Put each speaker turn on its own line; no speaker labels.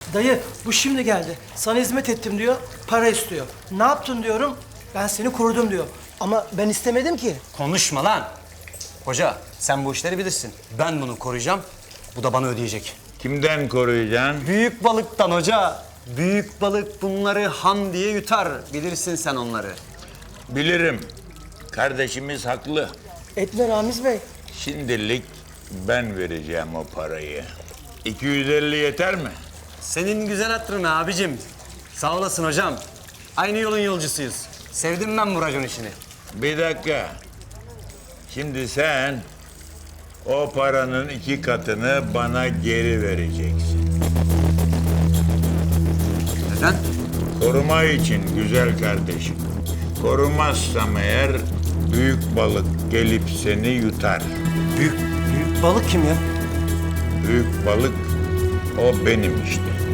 Dayı bu şimdi geldi. Sana hizmet ettim diyor, para istiyor. Ne yaptın diyorum, ben seni korudum diyor. Ama ben istemedim ki.
Konuşma lan. Hoca sen bu işleri bilirsin. Ben bunu koruyacağım. Bu da bana ödeyecek.
Kimden koruyacaksın?
Büyük balıktan hoca. Büyük balık bunları ham diye yutar. Bilirsin sen onları.
Bilirim. Kardeşimiz haklı.
Etme Ramiz Bey.
Şimdilik ben vereceğim o parayı. 250 yeter mi?
Senin güzel hatırına abicim. Sağ olasın hocam. Aynı yolun yolcusuyuz. Sevdim ben bu racon işini.
Bir dakika. Şimdi sen o paranın 2 katını bana geri vereceksin.
Neden?
Koruma için güzel kardeşim. Korumazsam eğer büyük balık gelip seni yutar.
Büyük balık kim ya?
Büyük balık o benim işte.